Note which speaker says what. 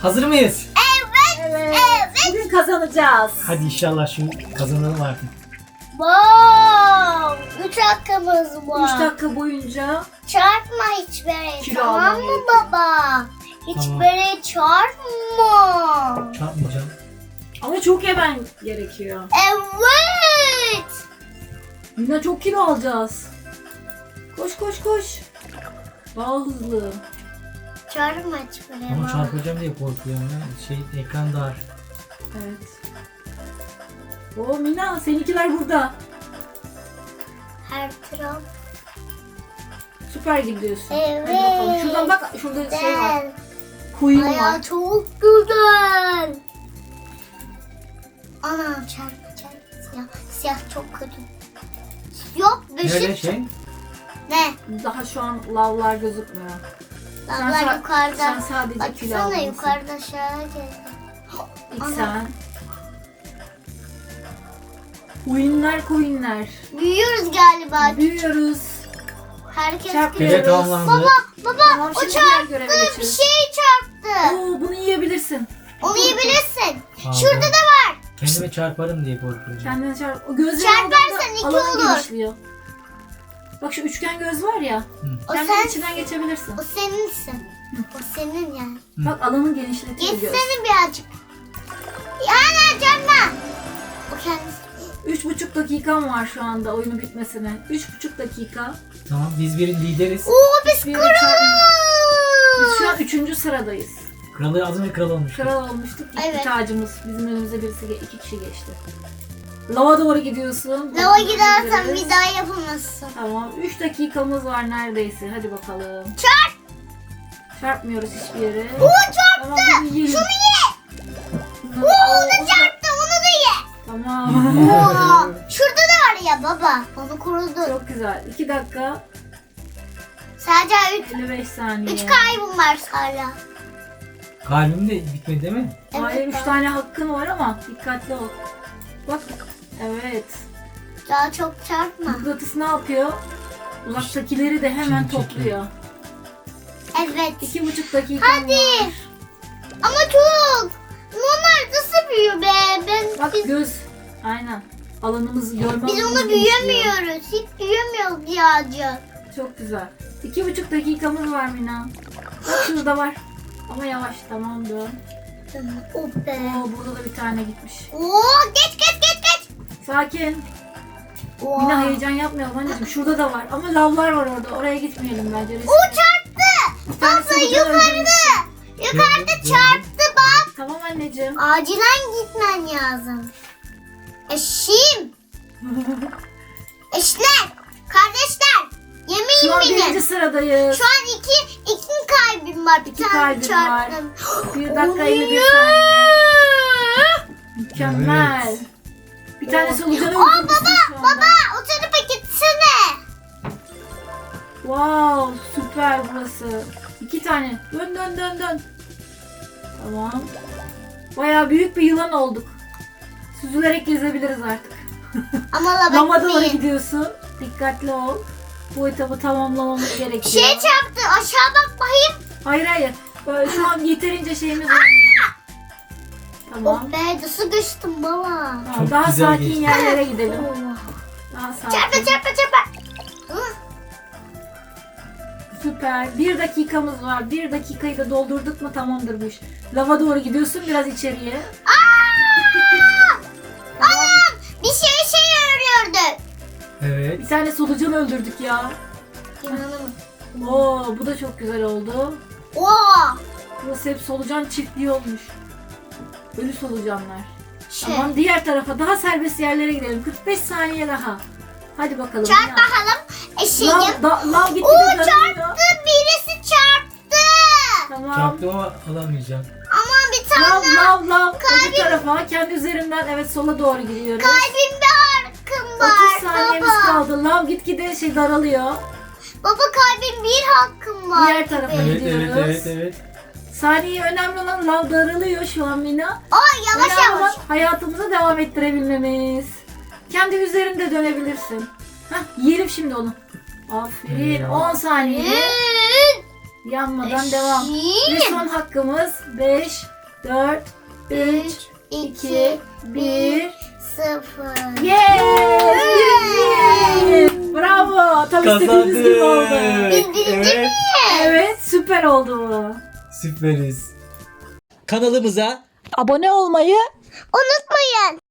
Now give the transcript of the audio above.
Speaker 1: Hazır mıyız?
Speaker 2: Evet. Bugün kazanacağız.
Speaker 1: Hadi inşallah şu kazanalım artık.
Speaker 3: Wow! 3 hakkımız
Speaker 2: 3
Speaker 3: var.
Speaker 2: dakika boyunca
Speaker 3: Çarpma hiçbir yere,
Speaker 2: Kilo
Speaker 3: tamam
Speaker 2: almam
Speaker 3: mı
Speaker 2: gerekiyor.
Speaker 3: baba? Hiçbir
Speaker 1: Tamam.
Speaker 3: yere çarpma.
Speaker 1: Çarpmayacağım.
Speaker 2: ama çok yemen gerekiyor.
Speaker 3: Evet.
Speaker 2: Yine çok kilo alacağız. Koş koş koş. Daha hızlı.
Speaker 3: Çarpma hiçbir yere.
Speaker 1: Ama
Speaker 3: baba.
Speaker 1: çarpacağım diye korkuyorum ya. Ekran dar.
Speaker 2: Evet. Oo Mina, seninkiler burada.
Speaker 3: Her taraf.
Speaker 2: Süper gidiyorsun.
Speaker 3: Evet.
Speaker 2: Hadi bakalım. Şuradan bak, şurada şey var.
Speaker 3: Güzel.
Speaker 2: Queen
Speaker 3: Aya
Speaker 2: var.
Speaker 3: çok güzel. Anam çarpma. Siyah. Siyah çok kötü. Yok
Speaker 1: Nerede
Speaker 3: ışık.
Speaker 1: şey?
Speaker 3: Ne?
Speaker 2: Daha şu an lavlar gözükmüyor.
Speaker 3: Lavlar yukarıda.
Speaker 2: Sen sadece kilo
Speaker 3: Baksana
Speaker 2: almışsın.
Speaker 3: yukarıda aşağı geldi.
Speaker 2: İlk
Speaker 3: Ana.
Speaker 2: sen. Queenler.
Speaker 3: Büyüyoruz galiba.
Speaker 2: Büyüyoruz.
Speaker 3: Herkes
Speaker 2: Çarp.
Speaker 3: büyüyor.
Speaker 1: Görev tamamlandı.
Speaker 3: Baba
Speaker 2: Tamam,
Speaker 3: o
Speaker 2: şimdi diğer
Speaker 3: çarptı.
Speaker 2: göreve
Speaker 3: Bir
Speaker 2: geçiyoruz.
Speaker 3: şey çarptı.
Speaker 2: Oo, bunu yiyebilirsin.
Speaker 3: Onu yiyebilirsin.
Speaker 1: Aldım.
Speaker 3: Şurada da var.
Speaker 1: Kendime çarparım diye korkuyorum.
Speaker 2: Kendine çarp. O gözleri
Speaker 3: Çarparsan
Speaker 2: aldığında
Speaker 3: iki
Speaker 2: alanı
Speaker 3: olur.
Speaker 2: genişliyor. Bak şu üçgen göz var ya.
Speaker 3: O
Speaker 2: Kendin
Speaker 3: sen,
Speaker 2: içinden geçebilirsin.
Speaker 3: o seninsin. O senin yani.
Speaker 2: Bak alanı genişletiyor göz.
Speaker 3: Geçsene birazcık. Yani canma. O kendisi.
Speaker 2: 3,5 dakikam var şu anda oyunu bitmesine. 3,5 dakika.
Speaker 1: Tamam biz bir lideriz.
Speaker 3: Oo biz
Speaker 2: Bir yere çarpın. Biz şu an
Speaker 3: kralız.
Speaker 2: 3. sıradayız.
Speaker 1: Kralı az önce kral olmuş.
Speaker 2: Kral olmuştuk. İlk
Speaker 3: Evet.
Speaker 2: tacımız. Bizim önümüze iki kişi geçti. Lava doğru gidiyorsun.
Speaker 3: Lava
Speaker 2: Buradan
Speaker 3: gidersen
Speaker 2: gidebiliriz.
Speaker 3: bir daha yapamazsın.
Speaker 2: Tamam. 3 dakikamız var neredeyse. Hadi bakalım.
Speaker 3: Çarp.
Speaker 2: Çarpmıyoruz hiçbir yere.
Speaker 3: Oo çarptı.
Speaker 2: Tamam bunu yiyelim.
Speaker 3: Şunu ye.
Speaker 2: Bunları-
Speaker 3: Oo onu çarptı. Onu da ye.
Speaker 2: Tamam.
Speaker 3: Oo, şurada da var ya baba. Onu korudu.
Speaker 2: Çok güzel. 2 dakika
Speaker 3: Sadece
Speaker 2: 55 saniye.
Speaker 3: 3 kaybım var hala.
Speaker 1: Kalbim de bitmedi değil mi?
Speaker 2: Hayır 3
Speaker 3: baba.
Speaker 2: tane hakkın var ama dikkatli ol. Bak. Evet.
Speaker 3: Daha çok çarpma.
Speaker 2: Mıknatıs ne yapıyor? Uzaktakileri de hemen
Speaker 1: Şimdi çekiyor.
Speaker 2: topluyor.
Speaker 3: Evet.
Speaker 2: 2,5 dakika
Speaker 3: Hadi.
Speaker 2: var.
Speaker 3: Ama çok. Onlar nasıl büyüyor be?
Speaker 2: Bak göz. Aynen. Alanımızı görme
Speaker 3: Biz
Speaker 2: alanımız
Speaker 3: onu
Speaker 2: genişliyor.
Speaker 3: büyüyemiyoruz. Hiç büyüyemiyoruz birazcık.
Speaker 2: Çok güzel. 2,5 dakikamız var Mina. Bak şurada var. Ama yavaş tamam dön.
Speaker 3: Oh be.
Speaker 2: Oo burada da bir tane gitmiş.
Speaker 3: Oo geç.
Speaker 2: Sakin.
Speaker 3: Oo.
Speaker 2: Mina heyecan yapmayalım anneciğim. Şurada da var. Ama lavlar var orada. Oraya gitmeyelim bence. Riskli.
Speaker 3: O çarptı.
Speaker 2: Bir tanesi
Speaker 3: Abla
Speaker 2: buradan
Speaker 3: yukarıda.
Speaker 2: öldürmüşsün.
Speaker 3: Yukarıda
Speaker 1: Gördüm.
Speaker 3: çarptı bak.
Speaker 2: Tamam anneciğim.
Speaker 3: Acilen gitmen lazım. Eşim. Eşler. Kardeşler.
Speaker 2: Şu an
Speaker 3: Yemeyin
Speaker 2: 1.
Speaker 3: beni.
Speaker 2: sıradayız.
Speaker 3: Şu an iki kalbim var. Bir
Speaker 2: İki
Speaker 3: tane
Speaker 2: kalbim var.
Speaker 3: çarptım.
Speaker 2: 1 dakika
Speaker 3: Olmuyor.
Speaker 2: 51 saniye. Mükemmel.
Speaker 1: Evet.
Speaker 2: Bir tane solucanı
Speaker 3: Aa
Speaker 2: öldürmüşsün şu anda.
Speaker 3: baba o tarafa gitsene.
Speaker 2: Wow süper burası. 2 tane. Dön. Tamam. Bayağı büyük bir yılan olduk. Süzülerek gezebiliriz artık.
Speaker 3: Ama lava
Speaker 2: Lama doğru
Speaker 3: gitmeyin.
Speaker 2: gidiyorsun. Dikkatli ol. Bu etabı tamamlamamız
Speaker 3: Bir
Speaker 2: gerekiyor.
Speaker 3: şey çarptı. Aşağı bak bakayım.
Speaker 2: Hayır. Böyle şu an yeterince şeyimiz var. Tamam.
Speaker 3: Oh be nasıl düştüm baba.
Speaker 2: Tamam,
Speaker 1: Çok
Speaker 2: daha
Speaker 1: güzel
Speaker 2: sakin
Speaker 1: geçti.
Speaker 2: yerlere gidelim.
Speaker 3: Oh.
Speaker 2: Daha sakin.
Speaker 3: Çarpma. Hı.
Speaker 2: Süper. 1 dakikamız var. 1 dakikayı da doldurduk mu tamamdır bu iş. Lava doğru gidiyorsun biraz içeriye.
Speaker 3: Anam bir şey örüyordu.
Speaker 1: Evet.
Speaker 2: Bir tane solucan öldürdük ya.
Speaker 3: İnanamıyorum.
Speaker 2: Oo bu da çok güzel oldu.
Speaker 3: Oo.
Speaker 2: Burası hep solucan çiftliği olmuş. Ölü solucanlar.
Speaker 3: Şey.
Speaker 2: Tamam diğer tarafa daha serbest yerlere gidelim. 45 saniye daha. Hadi bakalım.
Speaker 3: Çarp
Speaker 2: Ya.
Speaker 3: bakalım. Eşeğim.
Speaker 2: Lav gitti
Speaker 3: Oo
Speaker 2: de
Speaker 3: çarptı.
Speaker 2: dönüyor.
Speaker 3: Birisi çarptı.
Speaker 2: Tamam.
Speaker 1: Çarptım ama alamayacağım.
Speaker 3: Ama bir tane
Speaker 2: Lav. Öbür tarafa kendi üzerimden evet sola doğru gidiyoruz.
Speaker 3: kalbimde hakkım var.
Speaker 2: 30 saniyemiz
Speaker 3: baba.
Speaker 2: kaldı. Lav gitgide daralıyor.
Speaker 3: Baba kalbim bir hakkım var.
Speaker 2: Diğer tarafa
Speaker 1: Evet
Speaker 2: gidiyoruz.
Speaker 1: evet.
Speaker 2: Saniye önemli olan lav daralıyor şu an Mina.
Speaker 3: Aa yavaş
Speaker 2: Önemli
Speaker 3: yavaş.
Speaker 2: olan hayatımızı devam ettirebilmemiz. Kendi üzerinde dönebilirsin. Hah yiyelim şimdi onu. Aferin. 10 saniye. Yanmadan devam. Ve
Speaker 3: Eşeğim.
Speaker 2: son hakkımız 5, 4, 3, 2, 1.
Speaker 3: 0.
Speaker 2: Yes! Birinci! Bravo! Tam istediğimiz gibi oldu.
Speaker 3: Biz birinci
Speaker 1: Evet.
Speaker 2: Evet, süper oldu bu.
Speaker 1: Süperiz. Kanalımıza
Speaker 2: Abone olmayı
Speaker 3: Unutmayın.